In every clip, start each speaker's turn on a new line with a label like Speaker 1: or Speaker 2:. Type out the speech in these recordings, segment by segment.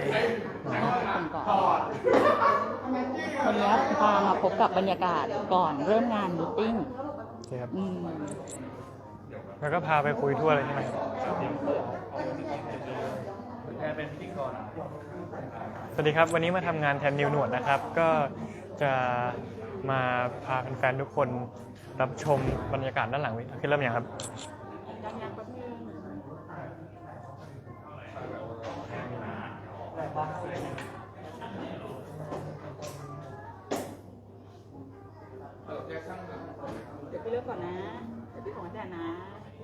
Speaker 1: คนก่อนวันนี้พามาพบกับบรรยากาศก่อนเริ่มงานมีตติ้ง
Speaker 2: ครับแล้วก็พาไปคุยทั่วเลยใช่ไหมครับเป็นพิธีกรสวัสดีครับวันนี้มาทำงานแทนนิวหนวดนะครับก็จะมาพาแฟนๆทุกคนรับชมบรรยากาศด้านหลังวิคือเริ่มอย่างครับ
Speaker 1: เดี๋ยวไปเลือกก่อนนะเดี๋ยวพี่ของอาจารย์นะ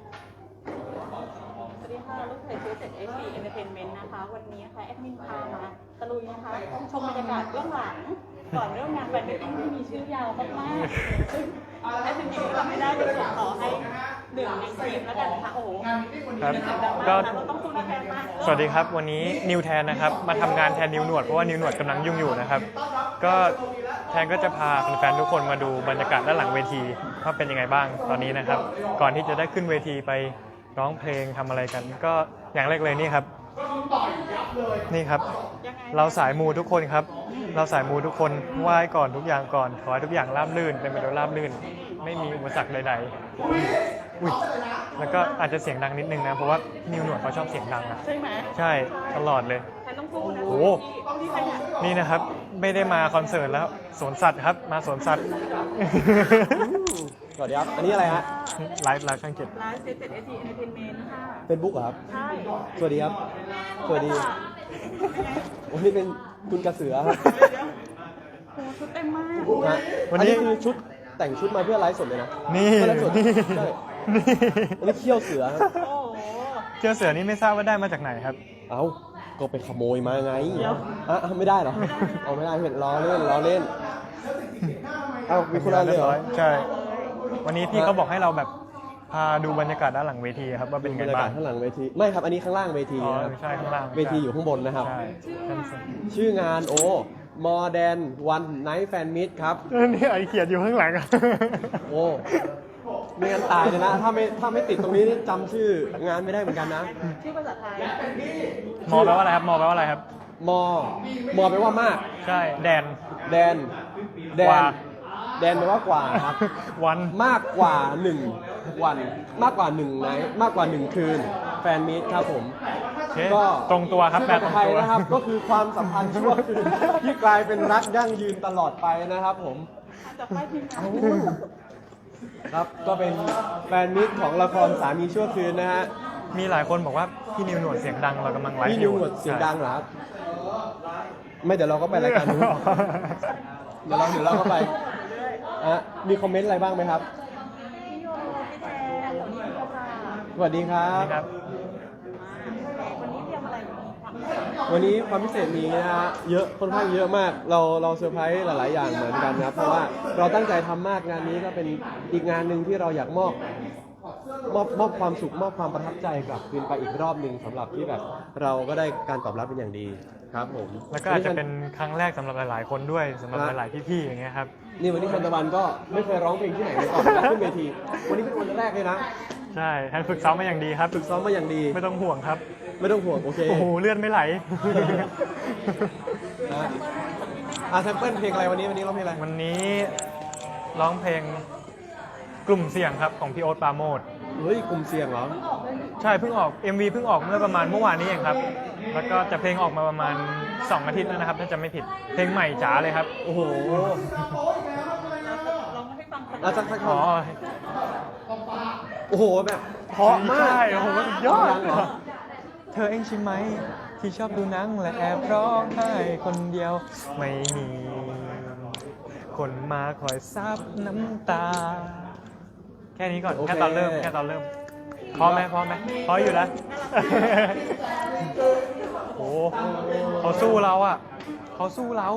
Speaker 1: สวัสดีค่ะลูกเพจซื้อจาก SC Entertainment นะคะวันนี้ค่ะแอดมินพามาตะลุยนะคะชมบรรยากาศเบื้องหลังก่อนเริ่มงานแฟนมิตติ้งที่มีชื่อยาวมากๆซึ่งแอดมินทำไม่ได้เลยขอให้หนึ่งในทีมแล้วกันนะคะโอ้โห
Speaker 2: ครับก็สวัสดีครับวันนี้นิวแทนนะครับมาทำงานแทนนิวหนวดเพราะว่านิวหนวดกำลังยุ่งอยู่นะครับก็แทนก็จะพาแฟนๆทุกคนมาดูบรรยากาศด้านหลังเวทีว่าเป็นยังไงบ้างตอนนี้นะครับก่อนที่จะได้ขึ้นเวทีไปร้องเพลงทำอะไรกันก็อย่างแรกเลยนี่ครับนี่ครับเราสายมูทุกคนครับเราสายมูทุกคนไหว้ก่อนทุกอย่างก่อนขอให้ทุกอย่างราบรื่นเป็นไปด้วยราบรื่นไม่มีอุปสรรคใดๆอุ้ยแล้วก็อาจจะเสียงดังนิดนึงนะเพราะว่านิวหนวดเขาชอบเสียงดังนะ
Speaker 1: ใช่ไหม
Speaker 2: ใช่ตลอดเลย
Speaker 1: ใครต้องพูดนะ
Speaker 2: โอ้นี่นะครับไม่ได้มาคอนเสิร์ตแล้วสวนสัตว์ครับมาสวนสัตว์
Speaker 3: สวัสดีครับอันนี้อะไรฮะ
Speaker 2: ไลฟ์ช่างเจ็ด
Speaker 1: ไลฟ์เซ็ตเอสซีเอนเตอร์เทนเมนต์ค่ะ
Speaker 3: เฟซบุ๊กเหรอครับ
Speaker 1: ใช่
Speaker 3: สวัสดีครับสวัสดีวันนี้เป็นคุณกระเสือครับ
Speaker 1: โอ้ชุดเต็มมาก
Speaker 3: วันนี้คือชุดแต่งชุดมาเพื่อไลฟ์สดเลยนะ
Speaker 2: นี่
Speaker 3: ไลฟ์สดใช่อันนี้เขี้ยวเสือครับ
Speaker 2: เขี้ยวเสือนี่ไม่ทราบว่าได้มาจากไหนครับ
Speaker 3: เอ้าก็ไปขโมยมาไงไม่ได้เหรอเอาไม่ได้เห็นล้อเล่นเอ้ามีคนละเลยเหรอ
Speaker 2: ใช่วันนี้พี่เขาบอกให้เราแบบพาดูบรรยากาศด้านหลังเวทีครับว่าเป็นไงบ้าง
Speaker 3: ข้างหลังเวทีไม่ครับอันนี้ข้างล่างเวทีนะครับ
Speaker 2: ใช่ข้างล่าง
Speaker 3: เวทีอยู่ข้างบนนะครับชื่องานModern One Night Fan Meet ครับ
Speaker 2: นี่ไอเขียนอยู่ข้างหลัง
Speaker 3: โอ้ไม่งั้นตายเลยนะถ้าไม่ติดตรงนี้นี่จำชื่องานไม่ได้เหมือนกันนะ
Speaker 1: ชื่อภาษาไทย
Speaker 2: มอแปลว่าอะไรครับมอแปลว่าอะไรครับ
Speaker 3: มอแปลว่ามาก
Speaker 2: ใช่แดน
Speaker 3: แดนแปลว่ากว่าครับ
Speaker 2: วัน
Speaker 3: มากกว่า1วันมากกว่า1ไนท์มากกว่า1คืนแฟนมีตครับผม
Speaker 2: ก็ตรงตัวครับแบบตรงตัว
Speaker 3: นะครับก็คือความสัมพันธ์ชั่วคืนที่กลายเป็นรักยั่งยืนตลอดไปนะครับผมครับก็เป็นแฟนมิตรของละครสามีชั่วคืนนะฮะ
Speaker 2: มีหลายคนบอกว่าพี่นิวหนวดเสียงดังเรากำลังไลฟ์
Speaker 3: พี่นิวหนวดเสียงดังเหรอครับไม่เดี๋ยวเราก็ไปรายการนู้นเดี๋ยวเราก็ไปมีคอมเมนต์อะไรบ้างไหมครับสวัสดีครับวันนี้ความพิเศษมีนะฮะเยอะค่อนข้างเยอะมากเราเซอร์ไพรส์หลายๆอย่างเหมือนกันนะครับเพราะว่าเราตั้งใจทำมากงานนี้ก็เป็นอีกงานหนึ่งที่เราอยากมอบความสุขมอบความประทับใจกลับคืนไปอีกรอบหนึ่งสำหรับที่แบบเราก็ได้การตอบรับเป็นอย่างดีครับผม
Speaker 2: แล้วก็อาจจะเป็นครั้งแรกสำหรับหลายๆคนด้วยสำหรับหลายๆพี่ๆอย่างเงี้ยครับ
Speaker 3: นี่วันนี้ทันตะวันก็ไม่เคยร้องเพลงที่ไหนเลยก่อนขึ้นเวทีวันนี้เป็นวันแรกเลยนะ
Speaker 2: ใช่ท่านฝึกซ้อมมาอย่างดีครับ
Speaker 3: ฝึกซ้อมมาอย่างดี
Speaker 2: ไม่ต้องห่วงครับ
Speaker 3: ไม่ต้องห่วงโอเค
Speaker 2: โอ้โหเลือดไม่ไหล
Speaker 3: แซมเปิลเพลงอะไรวันนี้ร้องเพลงอะไร
Speaker 2: วันนี้ร้องเพลงกลุ่มเสี่ยงครับของพี่โอ๊ตปราโมท
Speaker 3: เฮ้ยกลุ่มเสี่ยงเหรอ
Speaker 2: ใช่เพิ่งออก MV เพิ่งออกเมื่อประมาณเมื่อวานนี้เองครับแล้วก็จะเพลงออกมาประมาณ2 อาทิตย์แล้วนะครับถ้าจะไม่ผิดเพลงใหม่จ๋าเลยครับ
Speaker 3: โอ้โห
Speaker 1: เรา
Speaker 3: จะขอโอ้โหแบบเพราะมาก
Speaker 2: ใช่โอ้โหยอดเธอเองใช่ไหมที่ชอบดูหนังและแอบร้องไห้คนเดียวไม่มีคนมาคอยซับน้ำตาแค่นี้ก่อนแค่ตอนเริ่มพร้อมไหมพร้อมอยู่แล้วโอ้เขาสู้เราอ่ะเขาสู้เรา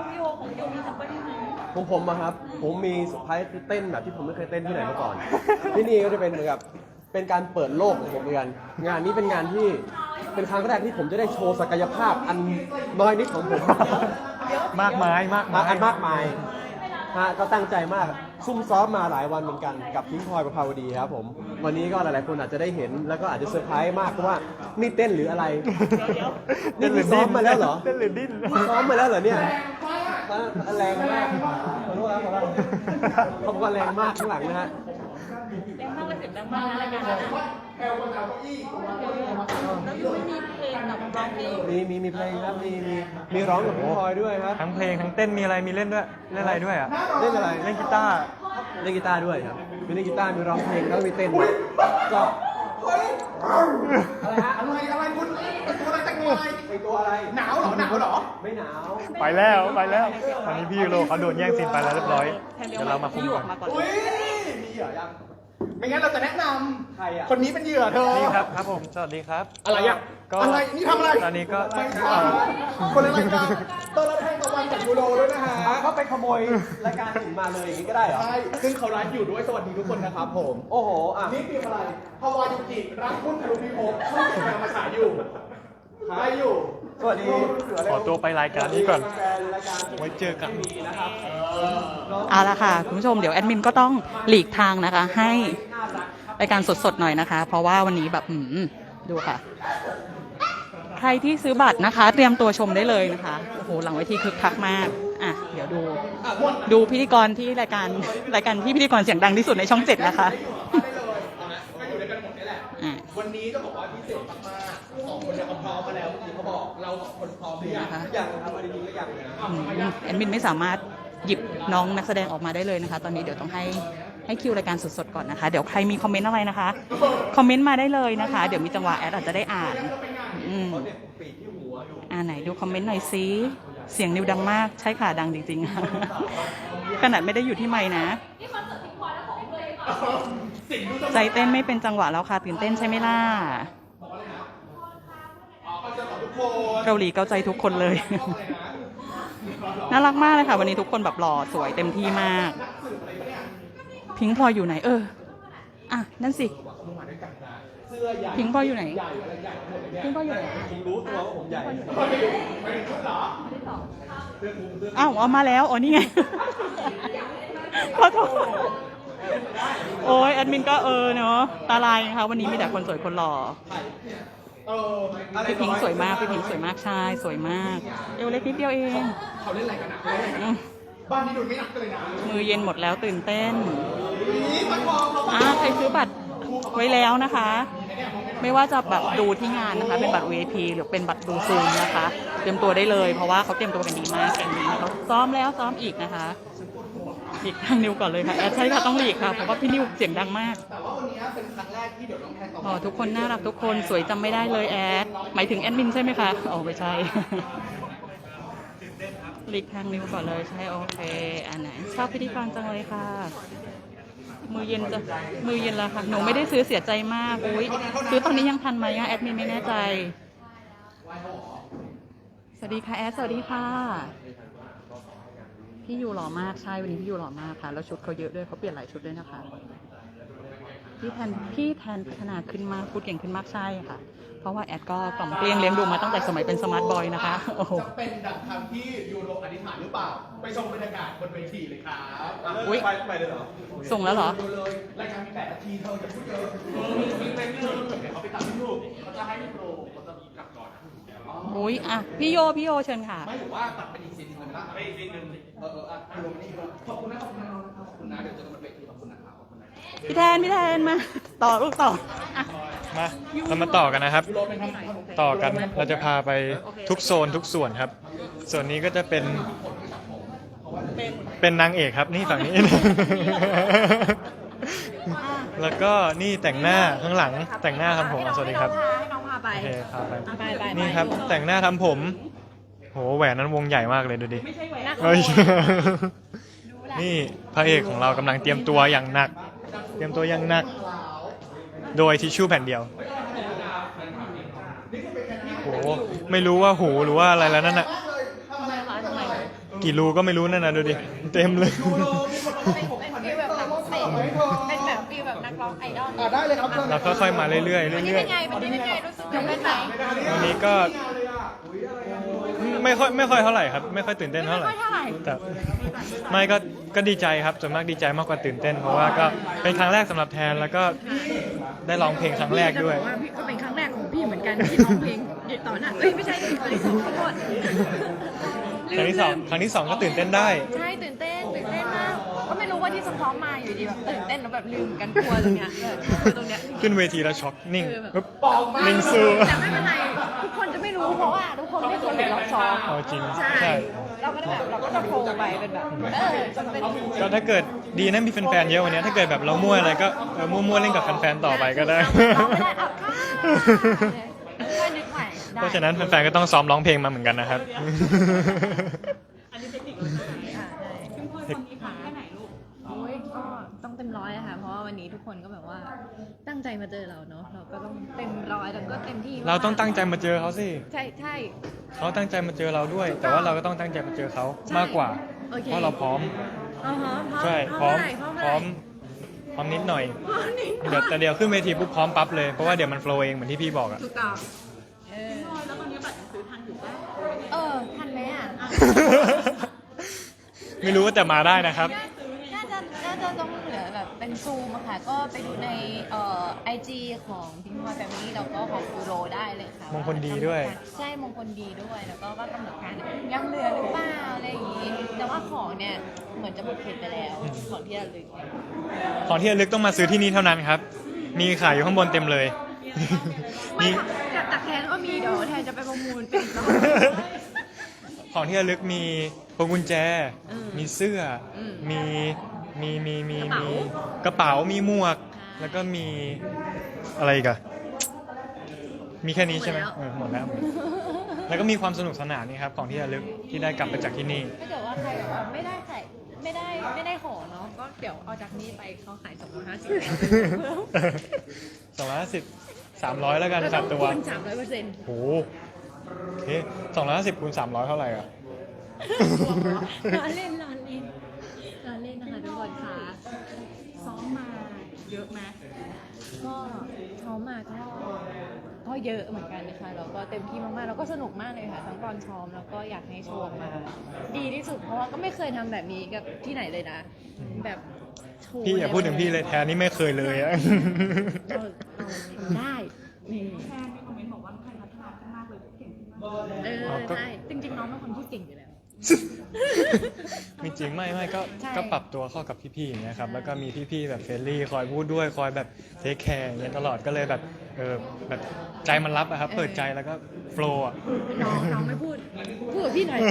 Speaker 3: ของผมอะครับผมมีเซอร์ไพรส์เต้นแบบที่ผมไม่เคยเต้นที่ไหนมาก่อนที่นี่ก็จะเป็นเหมือนกับเป็นการเปิดโลกของผมเหมือนกันงานนี้เป็นงานที่เป็นครั้งแรกที่ผมจะได้โชว์ศักยภาพอันน้อยนิดของผม
Speaker 2: มากมาย
Speaker 3: ก็ตั้งใจมากซุ่มซ้อมมาหลายวันเหมือนกันกับพิงค์พลอยประภาวดีครับผมวันนี้ก็หลายๆคนอาจจะได้เห็นแล้วก็อาจจะเซอร์ไพรส์มากเพราะว่านี่เต้นหรืออะไร
Speaker 1: เดี๋ยว
Speaker 3: นี่คือซ้อมมาแล้วเหรอ
Speaker 2: เต้นหรือดิ้น
Speaker 3: ซ้อมมาแล้วเหรอเนี่ยแรงมากขอโทษนะเขาบอกว่าแรงมากข้างหลังนะฮะ
Speaker 1: แรงมากเลยเสียงดังมากนะรายการนั้นแล้วยูมีเพลงกับร้องเพลง
Speaker 3: มีเพลงครับมีร้องกับพิงค์พลอยด้วยครับ
Speaker 2: ทั้งเพลงทั้งเต้นมีอะไรมีเล่นด้วยเล่นอะไรด้วยอ่ะ
Speaker 3: เล่นอะไร
Speaker 2: เล่นกีตาร์
Speaker 3: เล่นกีตาร์ด้วยครับมีเล่นกีตาร์มีร้องเพลงแล้วมีเต้นด้วยก็อะไรฮะอะไรคุณตัวอะไรแต่งตัวอะไรแต่งตัวอะไรหนาวเหรอไม่หนาว
Speaker 2: ไปแล้วตอนนี้พี่ยูโรเขาโดนแย่งซีนไปแล้วเรียบร้อยเดี๋ยวเรามาคุ
Speaker 1: ที่
Speaker 2: ย
Speaker 1: อยู่อ
Speaker 2: กั
Speaker 1: อน กมาก่อน
Speaker 4: อุ้ยมีเหยื่อยัง ไม่งั้นเราจะแนะนำ
Speaker 3: ใครอ่ะ
Speaker 4: คนนี้เป็นเหยื่อเธอ
Speaker 2: นี่ครับผมสวัสดีครับ
Speaker 4: อะไรอ่ะ
Speaker 2: ก็
Speaker 4: อะไรนี่ทำอะไร
Speaker 2: ตอนนี้ก็
Speaker 4: ไม่ใช่คนละรายการต้อนรับแทนตะวันจากยูโรด้วยนะฮะ
Speaker 3: เขาไปขโมยรายการอื่นมาเลยอย่างนี้ก็ได้เหรอ
Speaker 4: ใช่ซึ่งเขาไลฟ์อยู่ด้วยสวัสดีทุกคนนะครับผม
Speaker 3: โอ้โหอ่ะ
Speaker 4: นี่คืออะไรฮาวายุกิรักคุณทะลุพิภพช่องเจ็ดกำลังมาฉายอยู่ไลฟ์อยู่
Speaker 3: สวัสดี
Speaker 2: ขอตัวไปรายการนี้ก่อน
Speaker 3: แฟนรายการ
Speaker 2: ไว้เจอกัน
Speaker 3: นะครับ
Speaker 1: เอาละค่ะคุณผู้ชมเดี๋ยวแอดมินก็ต้องหลีกทางนะคะ ให้รายการสดๆหน่อยนะคะ เพราะว่าวันนี้แบบดูค่ะ ใครที่ซื้อบัตรนะคะ เตรียมตัวชมได้เลยนะคะโอ้โหหลังเวทีคึกคักมากอ่ะเดี๋ยวดูพิธีกรที่รายการที่พิธีกรเสียงดังที่สุดในช่อง 7นะคะ
Speaker 4: ได้เลยเอานะก็อยู่ด้วยกันหมดนี่แหละ
Speaker 1: อ่ะ
Speaker 4: วันนี้จะบอกว่าพิเศษมากๆสองคนเนี่ยเขาพร้อมมาแล้วเมื่อกี้เขาบอกเราสองคนพร้อมหรือยัง
Speaker 1: นะคะ
Speaker 3: อย่างครับวันนี้ก็อย่างเลยนะ
Speaker 1: แอดมินไม่สามารถหยิบน้องนักแสดงออกมาได้เลยนะคะ ตอนนี้เดี๋ยวต้องให้คิวรายการสดๆก่อนนะคะ เดี๋ยวใครมีคอมเมนต์อะไรนะคะคอมเมนต์มาได้เลยนะคะ เดี๋ยวมีจังหวะแอดอาจจะได้อ่านไหนดูคอมเมนต์หน่อยซิเสียงนิวดังมากใช่ค่ะดังจริงๆ ขนาดไม่ได้อยู่ที่ไมค์นะใจเต้นไม่เป็นจังหวะแล้วค่ะตื่นเต้นใช่ไหมล่ะเกาหลีเกาใจทุกคนเลย น่ารักมากเลยค่ะวันนี้ทุกคนแบบหล่อสวยเต็มที่มากพิงค์พลอยอยู่ไหนอ่ะนั่นสิพิงค์พลอยอยู่ไหนพิงค์พลอยอยู่ไหน
Speaker 3: จริงรู้ตัวว่าผมใหญ่
Speaker 1: อ้าวเอามาแล้วอ๋อนี่ไง ขอโทษโอ้ยแอดมินก็เนาะตาลายนะคะวันนี้มีแต่คนสวยคนหล่อพี่พิงค์สวยมากพี่พิงค์สวยมากใช่สวยมากเอวเล็กนิดเดียวเอง
Speaker 4: เขาเล่นอะไรกันนะบ้านนี้ดูไม่หนักเลยนะ
Speaker 1: มือเย็นหมดแล้วตื่นเต้น
Speaker 4: นี่มันพอ
Speaker 1: ใครซื้อบัตรไว้แล้วนะคะ ไม่ว่าจะแบบดูที่งานนะคะ เป็นบัตร VIP หรือเป็นบัตรดูซูมนะคะ เตรียมตัวได้เลย เพราะว่าเขาเตรียมตัวกันดีมากแข่งนี้เขาซ้อมแล้วซ้อมอีกนะคะหลีกทางนิวก่อนเลยค่ะแอดใช่ค่ะต้องหลีกค่ะเพราะว่าพี่นิวเสียงดังมาก
Speaker 4: แต่ว่าวันนี้เป็นครั้งแรกที่เดี๋ยวน้องแทนต่อ
Speaker 1: อ๋อทุกคนน่ารักทุกคนสวยจำไม่ได้เลยแอดหมายถึงแอดมินใช่ไหมคะอ๋อไม่ใช่ หลีกทางนิวก่อนเลยใช่โอเคอันไหนชอบพิธีกรจังเลยค่ะ มือเย็นแล้วค่ะหนูไม่ได้ซื้อเสียใจมากอุ้ยซื้อตอนนี้ยังทันไหมอะแอดมินไม่แน่ใจสวัสดีค่ะแอดสวัสดีค่ะพี่ยูหล่อมากใช่วันนี้พี่ยูหล่อมากค่ะแล้วชุดเขาเยอะด้วยเขาเปลี่ยนหลายชุดด้วยนะคะพี่แทนพัฒนาขึ้นมากพูดเก่งขึ้นมากใช่ค่ะเพราะว่าแอดก็กล่อมเกลี้ยงเลี้ยงดูมาตั้งแต่สมัยเป็นสมาร์ทบอยนะคะโอ้โห
Speaker 4: จะเป็นดังคำที่ยูโรอธิษฐานหรือเปล่าไปชมบรรยากาศบนเวทีเลยครับ
Speaker 1: อุ๊ย
Speaker 3: ไปเลยเหรอ
Speaker 1: ส่งแล้วเหรอ
Speaker 4: ดูเลยรายการมี8 นาทีเธออย่าพูดเยอะมีเป็นเรื่องเดี๋ยวเขาไปตัดที่รูปเขาจะให้พี่โปรเขาจะมีกลับก่อน
Speaker 1: อุ้ยอ่ะพี่โยเชิญค่ะ
Speaker 4: ไม่ถือว่าตัดเป็นอีกซีนหนึ่งเลยนะไปอีกซีนหนึ่งลงนี่ขอบคุณนะเดี๋ยวเจอกันบนเวทีขอบคุณนะครับขอบคุณนะ
Speaker 1: พี่แทนมาต่อลูกต่ออ่ะ
Speaker 2: มาเรามาต่อกันนะครับ ต่อกันเราจะพาไปทุกโซนทุกส่วนครับ ส่วนนี้ก็จะเป็นนางเอกครับนี่ฝั่งนี้ แล้วก็นี่แต่งหน้าข้างหลังแต่งหน้าทำผมสวัสดีครับ
Speaker 1: ให้น้องพาไป
Speaker 2: โอเคพาไป
Speaker 1: ไป
Speaker 2: นี่ครับแต่งหน้าทำผมโหแหวนนั้นวงใหญ่มากเลยดูดิ
Speaker 1: ไม่ใช่แหวน
Speaker 2: เฮ้ย นี่พระเอกของเรากำลังเตรียมตัวอย่างหนัก โดยทิชชู่แผ่นเดียวโหไม่รู้ว่าหูหรือว่าอะไรแล้วนั่นน่ะกี่รูก็ไม่รู้นั่นน่ะดูดิเต็มเลย
Speaker 5: เป็นแบบฟีลแบบนักร้องไอดอล
Speaker 4: ได้เลยครับ
Speaker 2: เราค่อยๆมาเรื่อยๆ
Speaker 5: วันนี้
Speaker 2: เรื่อ
Speaker 5: เป็
Speaker 2: ย
Speaker 5: นไงวันนี้เป็นไงรู้สึกยังไงไหน
Speaker 2: ๆวันนี้ก็ไม่ค่อยเท่าไหร่ครับไม่ค่อยตื่นเต้นเท่าไหร่
Speaker 5: ไม่ค่อยเท่าไหร่
Speaker 2: แต่ไม่ก็ดีใจครับส่วนมากดีใจมากกว่าตื่นเต้น เพราะว่าก็เป็นครั้งแรกสำหรับแทนแล้วก็ได้ร้องเพลงครั้งแรกด้วย
Speaker 5: จะบอกว่าพี่ก็เป็นครั้งแรกของพี่เหมือนกันที่ร้องเพลงต่อหน้าไม่ใช่ครั้งที่สองขอโทษ
Speaker 2: ครั้งที่สองก็ตื่นเต้นได้
Speaker 5: ใช่ตื่นเต้นมากก็ไม่รู้ว่าที่ซ้อมมาอยู่ดีแบบตื่นเต้นแล้วแบบลืมกันกลัวตรงเนี้ยกลัวตรงเนี้ย
Speaker 2: ขึ้นเวทีแล้วช็อกนิ่ง
Speaker 5: คือแบบ
Speaker 2: ปึ๊บนิ่งสู้
Speaker 5: แต่ไม่เป็นไรทุกคนจะไม่รู้เพราะว่าทุกคนไม่เคยเห็นเราซ้อม
Speaker 2: เอาจริง
Speaker 5: ใช่
Speaker 2: ใช่
Speaker 5: เราก็แบบเราก็จะโทรไปเป็นแบบจนเป็น
Speaker 2: ก็ถ้าเกิดดีนะมีแฟนๆเยอะวันนี้ถ้าเกิดแบบเรามั่วอะไรก็มั่วๆเล่นกับแฟนๆต่อไปก็ได้
Speaker 5: เราไม่ได้อับค่าก็นึกใหม่ได้
Speaker 2: เพราะฉะนั้นแฟนๆก็ต้องซ้อมร้องเพลงมาเหมือนกันนะครับ
Speaker 1: อันนี้เทคนิคเราซึ่งพ่อคนนี้พักแค่ไหนลูก
Speaker 5: โอ้ยก็ต้องเต็มร้อยอะค่ะเพราะว่าวันนี้ทุกคนก็แบบว่าตั้งใจมาเจอเราเนาะเราก็ต้องเต็มร้อยแล้วก็เต็มที่
Speaker 2: เราต้องตั้งใจมาเจอเขาสิ
Speaker 5: ใช่ใช่
Speaker 2: เขาตั้งใจมาเจอเราด้วย แต่ว่าเราก็ต้องตั้งใจมาเจอเขามากกว่า
Speaker 5: โอเค
Speaker 2: เพราะเราพร้อม
Speaker 5: อ๋อฮะ
Speaker 2: ใช่
Speaker 5: พร้อมพร้อม
Speaker 2: พร้อมนิดหน่อยแต่เดี๋ยวขึ้นเวทีปุ๊บพร้อมปั๊บเลยเพราะว่าเดี๋ยวมันโฟล์เองเหมือนที่พี่บอกอะ
Speaker 5: ถูกต้อง
Speaker 1: แล้วตอนนี้บัตรซื้อทันอยู่ป่ะ
Speaker 5: ทันไหมอ่ะ
Speaker 2: ไม่รู้ว่าแต่มาได้นะครับ
Speaker 5: น่าจะต้องเหลือแบบเป็นซูมอะค่ะ ก็ไปดูในIG ของพิงพลอยแฟมิลี่แล้วก็ของฟูโรได้เลยค่ะ
Speaker 2: มงคลดีด้วย
Speaker 5: ใช่มงคลดีด้วยแล้วก็ว่ากำหนดการยังเหลือหรือเปล่าอะไรอย่างงี้ แต่ว่าของเนี่ยเหมือนจะหมดเขตไปแล้วของที่ระลึกเนี่ย
Speaker 2: ของที่ระลึกต้องมาซื้อที่นี่เท่านั้นครับ มีขายอยู่ข้างบนเต็มเลย
Speaker 5: ไม่ค่ะแต่แทนก็มีเดี๋ยวแทนจะไปประมูลเป็นอีกรอบ
Speaker 2: ของที่ระลึกมีพวงกุญแจ มีเสื้ออ
Speaker 5: ม
Speaker 2: มี
Speaker 5: กระเป๋า
Speaker 2: มีหมวก แล้วก็มีอะไรอีกอะมีแค่นี้ใช่ไหมหมดแล้ว แล้วก็มีความสนุกสนานนี่ครับของที่ระลึกที่ได้กลับไปจากที่นี่
Speaker 5: ถ้าเกิดว่าใครแบบว่าไม่ได้ของเนาะก็เดี๋ยวเอาจากนี้ไปเขาขาย250
Speaker 2: 250 300แล้วกันขาดตัว
Speaker 5: คูณ300%
Speaker 2: โหโอเค250คูณ300เท่าไหร่อ่ะ
Speaker 5: ล้อเล่นนะคะทุกคนค่ะ
Speaker 1: ซ้อมมาเยอะไหม
Speaker 5: ก็ซ้อมมาก็เยอะเหมือนกันนะคะแล้วก็เต็มที่มากๆแล้วก็สนุกมากเลยค่ะทั้งตอนซ้อมแล้วก็อยากให้โชว์ออกมา ดีที่สุดเพราะว่าก็ไม่เคยทำแบบนี้กับที่ไหนเลยนะแบบโชว์
Speaker 2: พี่อย่าพูดถึงพี่เลยแทนนี่ไม่เคยเลยอะ
Speaker 5: เอาได้นี่
Speaker 1: แฟนมีคอมเมนต์บอกว่าใครพัฒนาขึ้นมากเลยเก่งขึ้นมาก
Speaker 5: ใช่จริงๆน้องเป็นคนพูดเก่งอยู่แล้ว
Speaker 2: ไม่จริงไม่ก็
Speaker 5: ใช่
Speaker 2: ก็ปรับตัวเข้ากับพี่ๆอย่างเงี้ยครับแล้วก็มีพี่ๆแบบเฟรนลี่คอยพูดด้วยคอยแบบเทคแคร์อย่างเงี้ยตลอดก็เลยแบบแบบใจมันรับอะครับเปิดใจแล้วก็โฟล์อะ
Speaker 5: น้องไม่พูดกับพี่หน่อย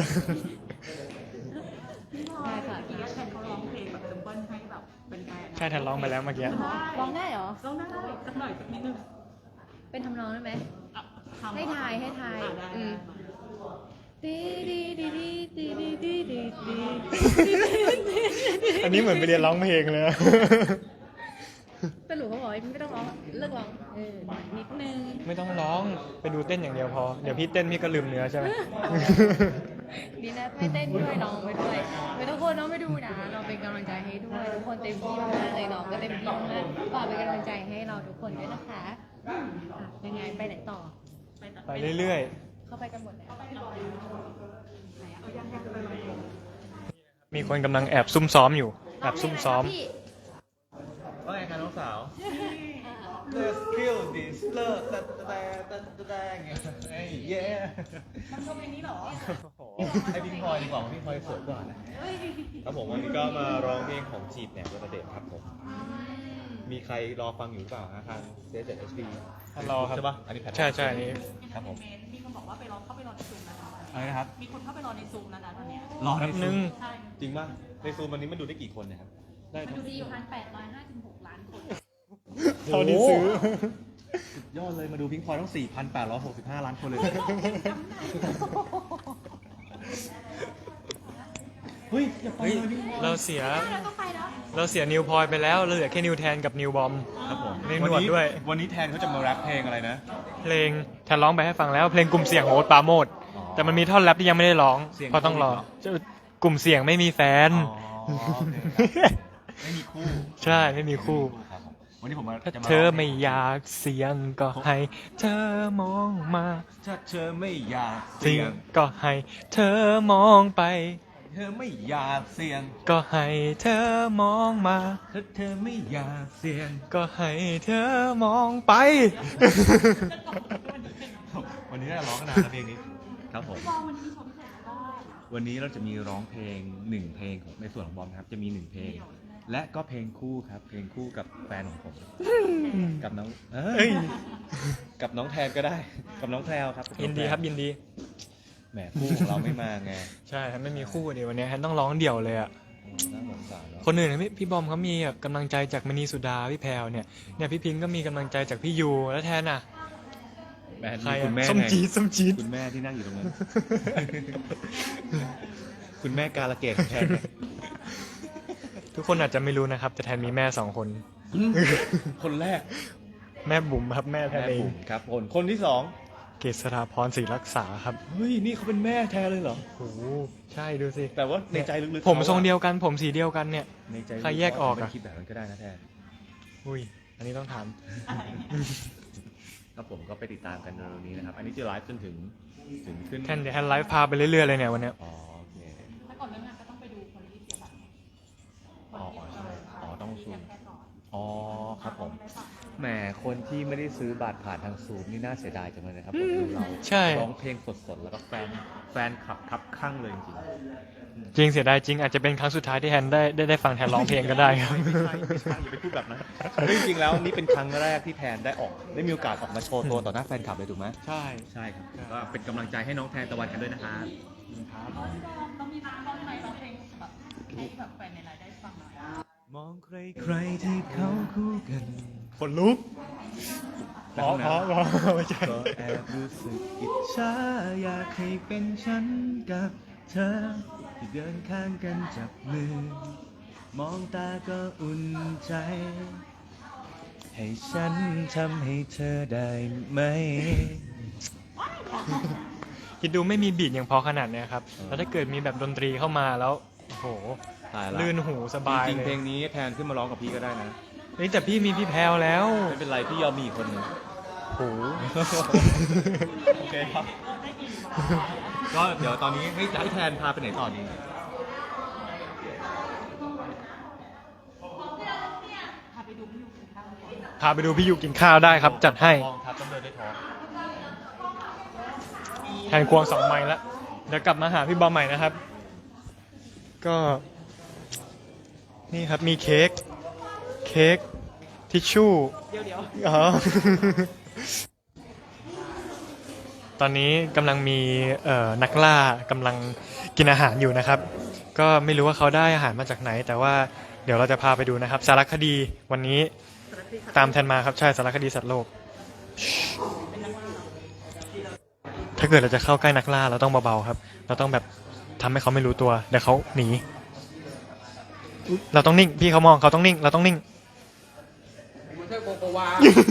Speaker 1: พี่พลอยค่ะอีกแฟนเขาร้องเพลงแบบซิมเปิลให้แบบเป็นแฟน
Speaker 2: ใช่แทนร้องไปแล้วเมื่อกี้
Speaker 5: ร้องได้เหรอ
Speaker 1: ร้องได้สักหน่อยสักนิดนึง
Speaker 5: เป็นทำนองได้ไหม
Speaker 1: อ่ะทำ
Speaker 5: ให้ทาย
Speaker 1: อ่ะได้
Speaker 5: อืม
Speaker 1: ได้
Speaker 5: ดีดีดีดีดีดีดีดี
Speaker 2: อันนี้เหมือนไปเรียนร้องเพลงเลยอะ
Speaker 5: สรุปเขาบอกว่าไม่ต้องร้องเลิกร้องนิดนึง
Speaker 2: ไม่ต้องร้องไปดูเต้นอย่างเดียวพอเดี๋ยวพี่เต้นพี่ก็ลืมเนื้อใช่ไหม
Speaker 5: ดีนะไม่เต้นด้วยน้องไปด้วยไม่ทุกคนน้องไปดูนะเราเป็นกำลังใจให้ด้วยทุกคนเต็มที่มากเลยน้องก็เต็มที่มากฝากเป็นกำลังใจให้เราทุกคนด้วยนะคะยังไงไปไหนต่อ
Speaker 2: ไปเรื่อย
Speaker 5: เข้าไปกันหมดแล้ว
Speaker 2: ๆ มีคนกำลังแอบซุ่มซ้อมอยู่แอบซุ่มซ้อม
Speaker 5: พี่
Speaker 3: ว่าไงคะน้องสาว Let's kill this love ไอ้เย้
Speaker 1: มันชมเพลงนี้เหรอ
Speaker 3: ให้พี่พลอยดีกว่าพี่พลอยสวยกว่านะครับผมวันนี้ก็มาร้องเพลงของจีบแหนมกระเด็นครับผมมีใครรอฟังอยู่หรือเปล่าฮะทาง C7HD
Speaker 2: รอครับ
Speaker 3: ใช่ปะอันนี้แพท
Speaker 2: ใช่อันนี้
Speaker 3: ครับผม
Speaker 1: มีคนบอกว่าไปรอเข้าไปรอในซูมแล้วนะ
Speaker 3: อะไรนะครับ
Speaker 1: มีคนเข้าไปรอในซูมแล้วนะตอนเนี้ย
Speaker 3: รอ
Speaker 2: แป๊บนึง
Speaker 1: ใช่
Speaker 3: จริงป่ะในซูมวันนี้มันดูได้กี่คนเนี่ยครับ
Speaker 2: ได้
Speaker 5: มันดูดีอยู่1,856 ล้านคน
Speaker 2: เท่านี้ซื้อ
Speaker 3: สุดยอดเลยมาดูพิงพลอยต้อง 4,865 ล้านคนเลยเฮ้ยอย่าไป
Speaker 2: เฮ้ย
Speaker 3: เลยพิงพลอย
Speaker 2: เราเสีย
Speaker 5: เราต้องไปแล้ว
Speaker 2: เราเสียนิวพลอยไปแล้วเราเหลือแค่นิวแทนกับนิวบอม
Speaker 3: ครับผม
Speaker 2: มีหนวดด้วย
Speaker 3: วันนี้แทนเขาจะมาแรปเพลงอะไรนะ
Speaker 2: เพลงแทนร้องไปให้ฟังแล้วเพลงกลุ่มเสียงโฮสปราโมดแต่มันมีท่อนแรปที่ยังไม่ได้ร้อง
Speaker 3: เสียง
Speaker 2: เพราะต้องรอ
Speaker 3: โควิดเหร
Speaker 2: กลุ่มเสียงไม่มีแฟน
Speaker 3: อ๋อโอเคครับไม่มีคู่
Speaker 2: ใช่ไม่มีคู่
Speaker 3: ครับผม
Speaker 4: วันนี้ผม
Speaker 2: ถ้า
Speaker 4: จะมา
Speaker 2: เธอไม่อยากเสี่ยงก็ให้เธอมองมา
Speaker 4: ถ้าเธอไม่อยาก
Speaker 2: เสี่
Speaker 4: เสี่
Speaker 2: ย
Speaker 4: ย
Speaker 2: ง
Speaker 4: ง
Speaker 2: ก็ให้เธอมองไป
Speaker 4: เธอไม่อยากเสี่ยง
Speaker 2: ก็ให้เธอมองมา
Speaker 4: ถ้าเธอไม่อยากเสี่ยง
Speaker 2: ก็ให้เธอมองไป
Speaker 4: วันนี้เราร้องกันนานแล้วเพลงนี้ครับผมวันนี้เราจะมีร้องเพลง1เพลงของในส่วนของบอมนะครับจะมี1เพลง และก็เพลงคู่ครับ เพลงคู่กับแฟนของผม กับน้องกับน้องแทนก็ได้ กับน้องแพรวครับ
Speaker 2: ยินดีครับยินดี
Speaker 4: แหมคู่ของเราไม่มาไง
Speaker 2: ใช่ครับไม่มีคู่เดี๋ยววันนี้แฮนต้องร้องเดี่ยวเลยอ่ะ
Speaker 4: น่าสงสารเนาะ
Speaker 2: คนอื่นพี่บอมเขามีกำลังใจจากมณีสุดาพี่แพรวเนี่ยพี่พิงค์ก็มีกำลังใจจากพี่ยูแล้วแทนอ่ะ
Speaker 4: แหม
Speaker 2: ใคร
Speaker 4: คุณแม่
Speaker 2: ส้ม
Speaker 4: ไง
Speaker 2: จี๊ดส้มจี๊ด
Speaker 4: คุณแม่ที่นั่งอยู่ตรงนั้น คุณแม่กาลเกตแทนไง
Speaker 2: ทุกคนอาจจะไม่รู้นะครับ แต่แทนมีแม่2 คน
Speaker 4: คนแรก
Speaker 2: แม่บุ๋มครับแม่แทน
Speaker 4: แม่
Speaker 2: เอง
Speaker 4: บุ๋มครับคนที่สอง
Speaker 2: เกษราพรศรีรักษาครับ
Speaker 4: เฮ้ยนี่เขาเป็นแม่แทนเลยเหรอ
Speaker 2: โอ้โหใช่ดูสิ
Speaker 4: แต่ว่าในใจลึกๆ
Speaker 2: ผมทรง
Speaker 4: ขา
Speaker 2: เดียวกันผมสีเดียวกันเนี่ย
Speaker 4: ในใจ
Speaker 2: ใครแยกออกอะ
Speaker 4: ไม่คิดแบบนั้นก็ได้นะแทน
Speaker 2: อุ้ยอันนี้ต้องถาม
Speaker 4: ครับผมก็ไปติดตามกันในเร็วๆนี้นะครับ อันนี้จะไลฟ์จนถึงขึ้น
Speaker 2: แทนเดี๋ยวแทนไลฟ์พาไปเรื่อยๆเลยเนี่ยวันเนี้ย
Speaker 4: อ๋อโอเค
Speaker 1: ถ้าก่อนเริ่มงานก็ต้องไปดูคนที่เสียบัตร
Speaker 4: อ๋อใช่อ๋อต้องซูมอ๋อครับผมแหมคนที่ไม่ได้ซื้อบัตรผ่านทางซูมนี่น่าเสียดายจังเลยนะครับผมดูเรา
Speaker 2: ใช่
Speaker 4: ร้องเพลงสดๆแล้วก็แฟนคลับครับข้างเลยจริง
Speaker 2: จริงเสียดายจริงอาจจะเป็นครั้งสุดท้ายที่แทนได้ฟังแทนร้องเพลงก็ได้ครับ
Speaker 4: ไม่ใช่อย่าไปพูดแบบนั้นจริงๆแล้วนี่เป็นครั้งแรกที่แทนได้มีโอกาสออกมาโชว์ตัวต่อหน้าแฟนคลับเลยถูกไหม
Speaker 2: ใช่
Speaker 4: ใช่ครับก็เป็นกำลังใจให้น้องแทนตะวันกันด้วยนะครับ
Speaker 1: ต้องมีร้องไหมร้องเพลงแบบให้แบบแฟนในไลน์ได้ฟังหน่อย
Speaker 4: มองใครๆที่เขาคู่กัน
Speaker 2: คนลุกพอไม่ใช่
Speaker 4: ก็แอบรู้สึกอิจฉาอยากให้เป็นฉันกับเธอ ที่เดินข้างกันจับมือ มองตาก็อุ่นใจ ให้ฉันทำให้เธอได้ไหม
Speaker 2: คิดดูไม่มีบีทอย่างพอขนาดเนี้ยครับ แล้วถ้าเกิดมีแบบดนตรีเข้ามาแล้วโอ้โห
Speaker 4: ตายละ
Speaker 2: ลื่นหูสบาย
Speaker 4: จริง
Speaker 2: เล
Speaker 4: ๆเพล
Speaker 2: ย
Speaker 4: งนี้แทนขึ้นมาร้องกับพี่ก็ได้นะ
Speaker 2: เฮ้ยแต่พี่มีพี่แพรวแล้ว
Speaker 4: ไม่เป็นไรพี่ยอมมีอีกคนหนึ่ง
Speaker 2: โอ้โห
Speaker 4: โอเคครับ ก็เดี๋ยวตอนนี้ให้แทนพาไปไหนต่อดี
Speaker 1: พาไปดูพี่ยูกินข้าวก่อน
Speaker 2: พาไปดูพี่ยูกินข้าวได้ครับ จัดให้
Speaker 4: ท้องครับต้องเดินด้วยท้อง
Speaker 2: แทนควง2 ไมล์แล้วเดี๋ยวกลับมาหาพี่บอมใหม่นะครับ ก็นี่ครับมีเค้กทิชชู่
Speaker 1: เดี๋ยว
Speaker 2: อ๋อ ตอนนี้กำลังมีนักล่ากำลังกินอาหารอยู่นะครับ ก็ไม่รู้ว่าเขาได้อาหารมาจากไหน แต่ว่าเดี๋ยวเราจะพาไปดูนะครับ สารคดีวันนี้ตามแทนมาครับใช่สารคดีสัตว์โลก ถ้าเกิดเราจะเข้าใกล้นักล่าเราต้องเบาๆครับ เราต้องแบบทำให้เขาไม่รู้ตัวเดี๋ยวเขาหนีเราต้องนิ่งพี่เขามองเขาต้องนิ่งเราต้องนิ่ง
Speaker 3: มันใช่โกโกวา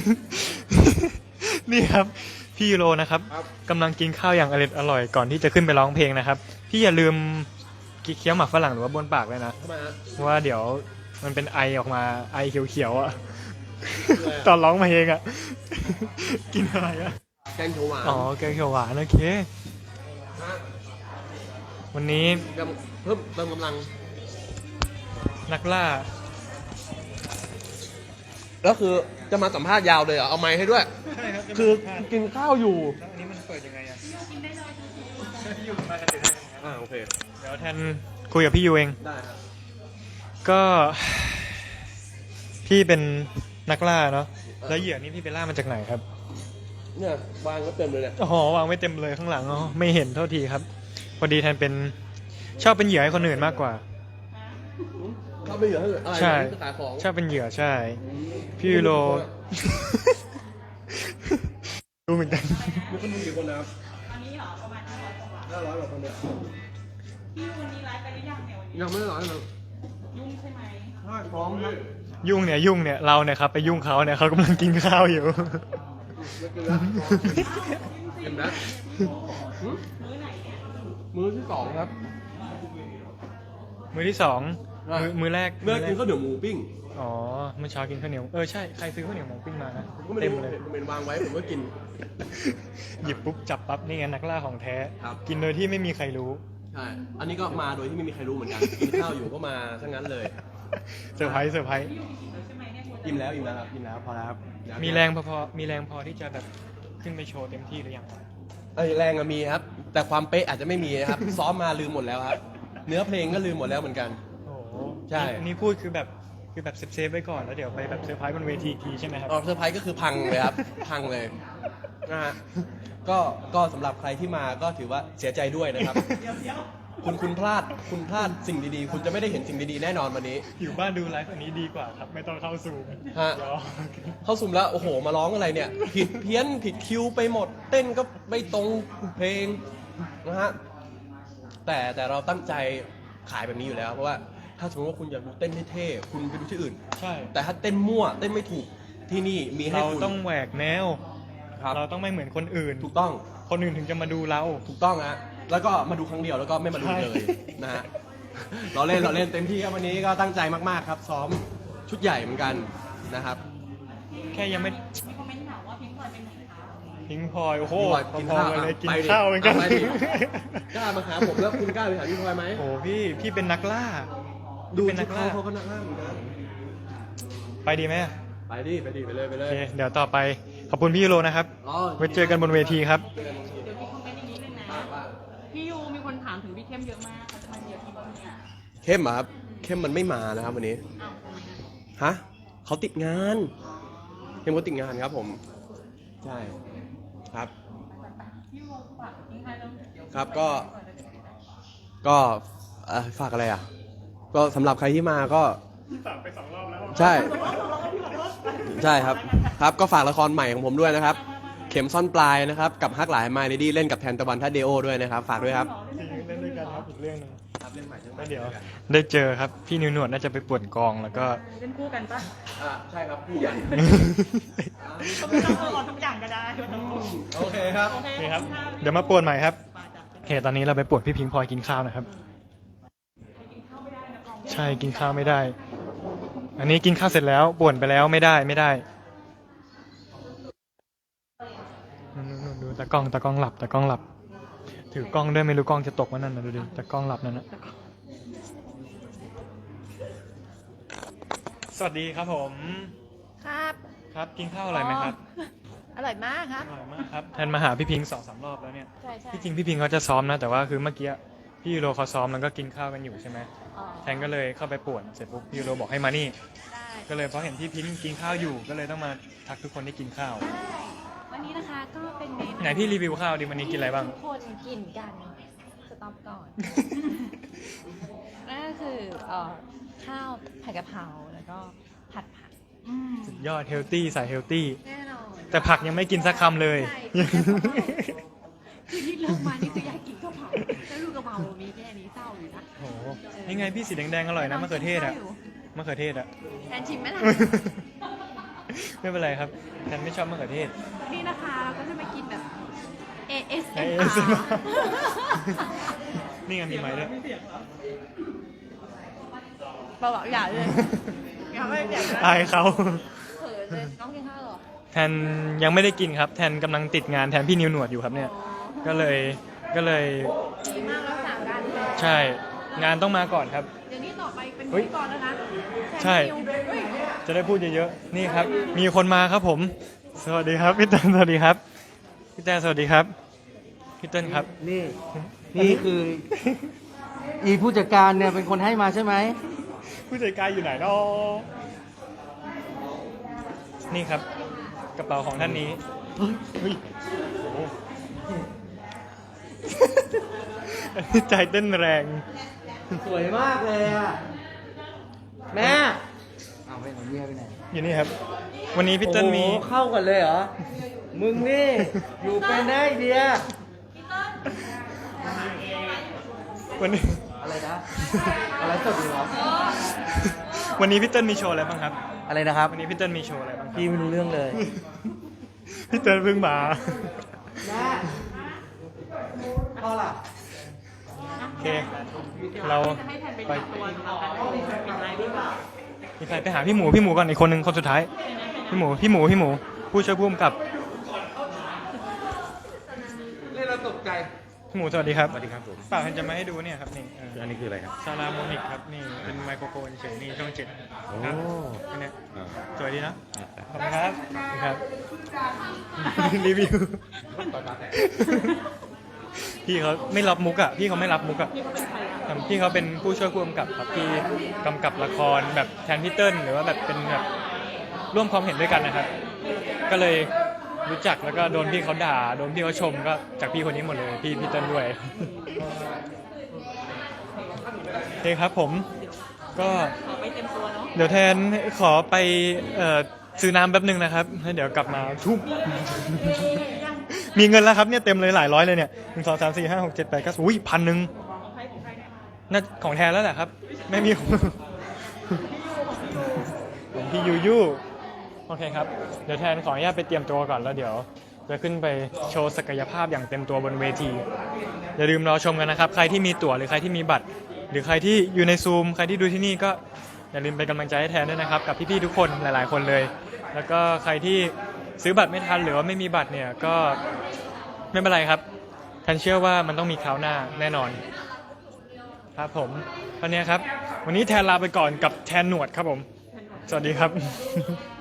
Speaker 2: นี่ครับพี่ยูโรนะครับ
Speaker 3: ครับ
Speaker 2: กำลังกินข้าวอย่างอร่อยก่อนที่จะขึ้นไปร้องเพลงนะครับ พี่อย่าลืมเคี้ยวหมากฝรั่งหรือว่าบ้วนปากเลยนะ
Speaker 3: ทำไมฮะ
Speaker 2: เพราะว่าเดี๋ยวมันเป็นไอออกมาไอเขียวๆอ่ะ ตอนร้องเพลงอ่ะ กินอะไรอ่ะ
Speaker 3: แกงเขียวหวาน
Speaker 2: อ๋อแกงเขียวหวานโอเค
Speaker 3: ฮะ
Speaker 2: วันนี้
Speaker 3: เพิ่มเติมกำลัง
Speaker 2: นักล่า
Speaker 3: แล้วคือจะมาสัมภาษณ์ยาวเลยเหรอ เอาไมค์ให้ด้วย
Speaker 2: ใช่ครับ
Speaker 3: คือกินข้าวอยู่
Speaker 2: แล้วอันนี้มันเปิดยังไงอ่ะ
Speaker 1: กินได้เลย
Speaker 2: พี่ยูมากันเดี๋ยว
Speaker 3: โอเค
Speaker 2: เดี๋ยวแทนคุยกับพี่ยูเอง
Speaker 3: ได้ครับ
Speaker 2: ก็ พี่เป็นนักล่าเนาะแล้วเหยื่อนี่พี่ไปล่ามาจากไหนครับ
Speaker 3: เนี่ยวางก็เต็มเลยเนี่ย
Speaker 2: อ๋อวางไม่เต็มเลยข้างหลังอ๋อไม่เห็นเท่าทีครับพอดีแทนเป็นชอบเป็นเหยื่อให้คนอื่นมากกว่า
Speaker 3: เขาไม่เหลือให้อะไร
Speaker 2: ใช่
Speaker 3: นะขายของ
Speaker 2: ชอบเป็นเหยื่อใช่ พี่ยูโร รู้เหมือนกัน
Speaker 3: มีคนดูกี่คนนะครับ
Speaker 1: อันนี้เหรอประมาณ500กว่าบาท
Speaker 3: 500กว่าคนเนี่ย
Speaker 1: พี่ยูวันนี้ไลฟ์ไปหรือยังเนี่ยวันนี้
Speaker 3: ยังไม่ได้ร้อยเลย
Speaker 1: ยุ่งใช่ไหม
Speaker 3: ใช่พร้อมครับ
Speaker 2: ยุ่งเนี่ยเราเนี่ยครับไปยุ่งเขาเนี่ยเขากำลังกินข้าวอยู่
Speaker 3: ไม่กินแล้วเห็นไหมหืม
Speaker 1: มื้อไหนเนี่ย
Speaker 3: มื้อที่ 2 ครับ
Speaker 2: มือที่2 มื้อแรก
Speaker 3: เมื่อกินข้าวเหนียวหมูปิ้ง
Speaker 2: อ๋อเมื่อเช้ากินข้าวเหนียวใช่ใครซื้อข้าวเหนียวหมูปิ้งมานะ
Speaker 3: ผมก็ไม่
Speaker 2: เต็ม
Speaker 3: รู้
Speaker 2: เลย
Speaker 3: ผมเป็นวางไว้ผมก็กิน
Speaker 2: หยิบปุ๊บจับปั๊บนี่ไงนักล่าของแท้
Speaker 3: ครับ
Speaker 2: กินโดยที่ไม่มีใครรู้
Speaker 3: ใช่ อันนี้ก็มาโดยที่ไม่มีใครรู้เหมือนกัน กินข้าวอยู่ก็มาซะงั้นเลย
Speaker 2: เซอร์ไพรส์
Speaker 1: ใช่ไหมเนี่ย
Speaker 3: อิ่มแล้วครับอิ่มแล้วพอแล้วครับ
Speaker 2: มีแรงพอที่จะแบบขึ้นไปโชว์เต็มที่หรือยังครับ
Speaker 3: แรงอะมีครับ แต่ความเป๊ะอาจจะไม่มีนะครับ ซ้อมมาลืมหมดแล้วครับ เนื้อเพลงก็ลืมหมดแล้วเหมือนกัน
Speaker 2: โอ้โห
Speaker 3: ใช่
Speaker 2: นี่พูดคือแบบเซฟไว้ก่อนแล้วเดี๋ยวไปแบบเซอร์ไพรส์บนเวทีอีกทีใช่ไหมครับ
Speaker 3: ออกเซอร์ไพรส์ก็คือพังเลยครับ พังเลยนะฮะก็สำหรับใครที่มาก็ถือว่าเสียใจด้วยนะครับ คุณพลาดสิ่งดีๆ คุณจะไม่ได้เห็นสิ่งดีๆแน่นอนวันนี้
Speaker 2: อยู่บ้านดูไลฟ์อันนี้ดีกว่าครับ ไม่ต้องเข้าซูม
Speaker 3: ฮะ
Speaker 2: เดี๋ยว
Speaker 3: เข้าซุ่มแล้วโอ้โหมาร้องอะไรเนี่ย ผิดเพี้ยนผิดคิวไปหมด เต้นก็ไม่ตรงเพลงนะฮะแต่เราตั้งใจขายแบบนี้อยู่แล้ว เพราะว่าถ้าสมมติว่าคุณอยากดูเต้นเท่ๆคุณไปดูที่อื่น
Speaker 2: ใช่
Speaker 3: แต่ถ้าเต้นมั่วเต้นไม่ถูกที่นี่มีให้
Speaker 2: เรา
Speaker 3: คุณ
Speaker 2: ต้องแหวกแนว
Speaker 3: ครับ
Speaker 2: เราต้องไม่เหมือนคนอื่น
Speaker 3: ถูกต้อง
Speaker 2: คนอื่นถึงจะมาดูเรา
Speaker 3: ถูกต้องฮะแล้วก็มาดูครั้งเดียวแล้วก็ไม่มาดูเลย
Speaker 2: ใช่
Speaker 3: นะฮะเราเล่นเต็มที่ครับวันนี้ก็ตั้งใจมากๆครับ ซ้อมชุดใหญ่เหมือนกันนะครับ
Speaker 2: แค่ยังไม่
Speaker 1: มีคอมเมนต์ถามว่าพิงค์พลอยเป็นไหนคะ
Speaker 2: พิงพลอยโอ้โห
Speaker 3: พี่พลอยกินข้าว
Speaker 2: พอๆกันเลยกิน
Speaker 3: ไปดิ
Speaker 2: ข้าวเหมือนกัน
Speaker 3: ไปดิ กล้ามาหาผมแล้วคุณกล้าไปหาพี่พลอยไหม
Speaker 2: โอ้พี่เป็นนักล่า
Speaker 3: ดู
Speaker 2: เป็น
Speaker 3: ชุ
Speaker 2: นั
Speaker 3: ด
Speaker 2: กล่า
Speaker 3: เขาก็นักล่าเหมือนกัน
Speaker 2: ไปดีไหม
Speaker 3: ไปดิไปเลย
Speaker 2: โอเคเดี๋ยวต่อไปขอบคุณพี่ยูโรนะครับ
Speaker 3: อ๋อ
Speaker 2: ไว้เจอกันบนเวทีครับ
Speaker 1: เดี๋ยวมีคอมเมนต์อย่างนี้เลยนะพี่ยูมีคนถามถึงพี่เข้มเยอะมากเขาจะมาเยอะที่บ้านเนี่ย
Speaker 3: เข้มเหรอครับเข้มมันไม่มานะครับวันนี้
Speaker 1: อ้าวทำไมอะ
Speaker 3: ฮะเขาติดงานเข้มเขาติดงานครับผมใช่ครับ
Speaker 1: พี่ยูฝากทิ้งท้ายเรื่องเดี๋ยว
Speaker 3: ครับก็ฝากอะไรอ่ะ ก็สำหรับใครที่มาก็
Speaker 2: ฝากไป2 รอบแล้ว
Speaker 3: ใช่ ใช่ครับ ครับก็ฝากละครใหม่ของผมด้วยนะครับ เข็มซ่อนปลายนะครับ กับฮักหลายมาเลดี้เล่นกับแทนตะวันทัดเดโอด้วยนะครับ ฝากด้วยครับ
Speaker 2: จริงเล่นด้วยกันครับอีกเรื่องหนึง
Speaker 3: ครับเล่นใหม่
Speaker 2: แล้วเดี๋ยวได้เจอครับพี่นิวหนวดน่าจะไปป่วนกองแล้วก็
Speaker 1: เล่นคู่กันปะ
Speaker 3: ใช่ครับคู่กัน
Speaker 1: ก็ไม่ต้องออนทุกอย่างก็ได้ไม่ต้อง
Speaker 3: โอเคครับ
Speaker 1: โอเค
Speaker 2: นี่ครับเดี๋ยวมาป่วนใหม่ครับโอเคตอนนี้เราไปป่วนพี่พิงพลอยกินข้าวนะครับ ใช่กินข้าวไม่ได้ อันนี้กินข้าวเสร็จแล้วป่วนไปแล้วไม่ได้นู่นดูตากล้องหลับถือกล้องด้วยไม่รู้กล้องจะตกวะนั่นนะดูดิตากล้องหลับนั่นนะสวัสดีครับผม
Speaker 5: ครับ
Speaker 2: ครับกินข้าวอะไรไหมครับ
Speaker 5: อร่อยมากครับ
Speaker 2: อร่อยมากครับแทนมาหาพี่พิง2-3 รอบแล้วเนี่ย
Speaker 5: ใช่ใช่
Speaker 2: ที่จริงพี่พิงเขาจะซ้อมนะแต่ว่าคือเมื่อกี้พี่ยูโรเขาซ้อมแล้วก็กินข้าวกันอยู่ใช่ไหม
Speaker 5: อ๋อ
Speaker 2: แทนก็เลยเข้าไปป่วนเสร็จปุ๊บพี่ยูโรบอกให้มานี่
Speaker 5: ได้
Speaker 2: ก็เลยเพราะเห็นพี่พิงกินข้าวอยู่ก็เลยต้องมาทักทุกคนที่กินข้าว
Speaker 5: ได้วันนี้นะคะก็เป็นเมนู
Speaker 2: ไหนพี่รีวิวข้าวดิวันนี้กินอะไรบ้าง
Speaker 5: ทุกคนกินกันสต็อปก่อน นั่นก็คือข้าวผัดกะเพราแล้วก็ผัดผัก
Speaker 2: สุดยอดเฮลตี้สายเฮลตี้
Speaker 5: แน่นอน
Speaker 2: แต่ผักยังไม่กินสักคำเลย
Speaker 5: ใช่คือที่เริ่มมานี่คืออยากกินข้าวเผาแล้วลูกกะเพรามีแค่นี้เศร้าอยู่นะ
Speaker 2: โอ้โหยังไงพี่สีแดงๆอร่อยนะมะเขือเทศอะมะเขือเทศอะ
Speaker 5: แทนชิมไหมล่ะ
Speaker 2: ไม่เป็นไรครับแทนไม่ชอบมะเขือเทศ
Speaker 5: นี่นะคะเราก็จะมากินแบบ
Speaker 2: ASMR
Speaker 5: ASMR
Speaker 2: นี่ไงมีไม้ด้วย
Speaker 5: เบาๆอย่าเลยอย่าไม่อย่า
Speaker 2: อายเขา
Speaker 5: เขินเลยน้องกินข้าวเหรอ
Speaker 2: แทนยังไม่ได้กินครับ แทนกำลังติดงานแทนพี่นิวหนวดอยู่ครับเนี่ย ก็เลย
Speaker 5: ดีมากแล้วสามกันเลย
Speaker 2: ใช่ งานต้องมาก่อนครับ
Speaker 5: เดี๋ยวนี้ต่อไปเป็น
Speaker 2: เฮ้
Speaker 5: พิ
Speaker 2: ย
Speaker 5: ธีกรแล้วนะ
Speaker 2: ใช่
Speaker 5: แทนนิวเฮ้ย
Speaker 2: จะได้พูดเยอะๆ นี่ครับ มีคนมาครับผม สวัสดีครับพี่เติ้ลสวัสดีครับ พี่แต้สวัสดีครับ พี่เติ้ลครับ
Speaker 6: นี่คือ อีผู้จัดการเนี่ยเป็นคนให้มาใช่ไหม
Speaker 2: ผู้จัดการอยู่ไหนเนาะนี่ครับ กระเป๋าของท่านนี้ เฮ้ยโอ้โหอันนี้ใจเต้นแรง
Speaker 6: สวยมากเลยอ่ะ แม่เอาไปของเมียไปไหน
Speaker 2: อยู่นี่ครับ วันนี้พี่เติ้ลมี
Speaker 6: โอ้โหเข้ากันเลยเหรอ มึงนี่ อยู่เป็นได้เดีย
Speaker 2: วันนี้
Speaker 6: อะไรนะ อะไรสดอยู่เหรอ
Speaker 2: วันนี้พี่เติ้ลมีโชว์อะไรบ้างครับ
Speaker 6: อะไรนะครับ
Speaker 2: วันนี้พี่เติ้ลมีโชว์อะไรบ้างครับ
Speaker 6: พี่ไม่รู้เรื่องเลย
Speaker 2: พี่เติ้ลเพิ่งมา
Speaker 6: แม่พ่อล่ะ
Speaker 2: เค เรา
Speaker 1: จะให้แทนไปตัวนะคะเป็นไลฟ์ดีกว่า
Speaker 2: มีใครไปหาพี่หมูก่อนอีกคนนึงคนสุดท้าย พี่หมูผู้ช่วยผู้กำกับ
Speaker 6: เล่นเราตกใจ
Speaker 2: พี่หมูสวัสดีครับ
Speaker 4: สวัสดีครับผม
Speaker 2: เปล่าเห็นจะมาให้ดูเนี่ยครับนี่
Speaker 4: อันนี้คืออะไรครับ
Speaker 2: ซาราโมนิกครับนี่เป็นไมโครโฟนเฉยนี่ช่อง7ครับอันเนี้ย
Speaker 4: อ่า
Speaker 2: สวยดีนะขอบคุณครับครับ รีวิวพี่เขาไม่รับมุกอ่ะพี่เขาไม่รับมุกอ่ะ
Speaker 1: พี่เขาเป็นใครอ่ะ
Speaker 2: พี่เขาเป็นผู้ช่วยผู้กำกับครับที่กำกับละครแบบแทนพี่เติ้ลหรือว่าแบบเป็นแบบร่วมความเห็นด้วยกันนะครับ ก็เลยรู้จักแล้วก็โดนพี่เขาด่าโดนพี่เขาชมก็จากพี่คนนี้หมดเลยพี่เติ้ลด้วยโอเคครับผมก็
Speaker 1: ขอไปเต็มตัวเนาะ
Speaker 2: เดี๋ยวแทนขอไปซื้อน้ำแป๊บหนึงนะครับแล้วเดี๋ยวกลับมาทุบ มีเงินแล้วครับเนี่ยเต็มเลยหลายร้อยเลยเนี่ย1 2 3 4 5 6 7 8 9อุ้ย1,000
Speaker 1: ของใครเนี่ย
Speaker 2: น่าของแทนแล้วแหละครับ ไม่มีของพี่ยูโอเคครับเดี๋ยวแทนขออนุญาตไปเตรียมตัวก่อนแล้วเดี๋ยวจะขึ้นไปโชว์ศักยภาพอย่างเต็มตัวบนเวทีอย่าลืมรอชมกันนะครับใครที่มีตั๋วหรือใครที่มีบัตร หรือใครที่อยู่ในซูมใครที่ดูที่นี่ก็อย่าลืมเป็นกำลังใจให้แทนด้วยนะครับกับพี่ๆทุกคนหลายๆคนเลย แล้วก็ใครที่ซื้อบัตรไม่ทันหรือว่าไม่มีบัตรเนี่ยก็ไม่เป็นไรครับแทนเชื่อว่ามันต้องมีคราวหน้าแน่นอนครับผมวันนี้ครับวันนี้แทนลาไปก่อนกับแทนหนวดครับผมสวัสดีครับ